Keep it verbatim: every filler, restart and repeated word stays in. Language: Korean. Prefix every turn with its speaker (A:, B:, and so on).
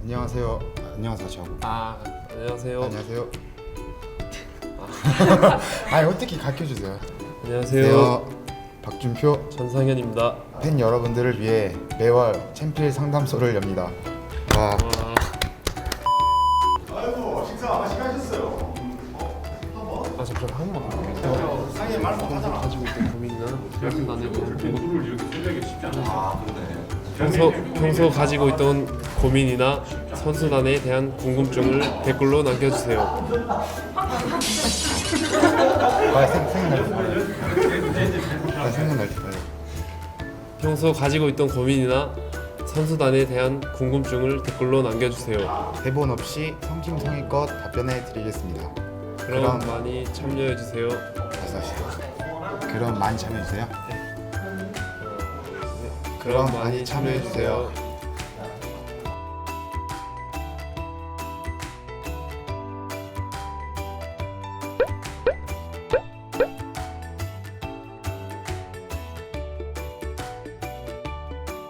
A: 안녕하세요. 안녕하세요. 저.
B: 아 안녕하세요.
A: 안녕하세요. 아니 어떻게 가르쳐 주세요.
B: 안녕하세요.
A: 박준표
B: 전상현입니다.
A: 팬 여러분들을 위해 매월 챔피언 상담소를 엽니다. 와.
B: 와,
C: 아이고 식사 맛있게
B: 아 잠깐 한 번. 상해 말 못하잖아. 가지고 있던 고민이나 결심단에
C: 공부를 이렇게 설명하기 쉽지 않아.
B: 평소 평소 가지고 있던 고민이나 선수단에 대한 궁금증을 댓글로 남겨주세요.
A: 아 생, 생각날 때. 아 생각날 때.
B: 평소 가지고 있던 고민이나 선수단에 대한 궁금증을 댓글로 남겨주세요.
A: 대본 없이 성심성의껏 답변해 드리겠습니다.
B: 그럼
A: 그럼-
B: 많이 참여해주세요.
A: 다시 다시. 그럼 많이 참여해 주세요.
B: 그럼 많이 참여해주세요.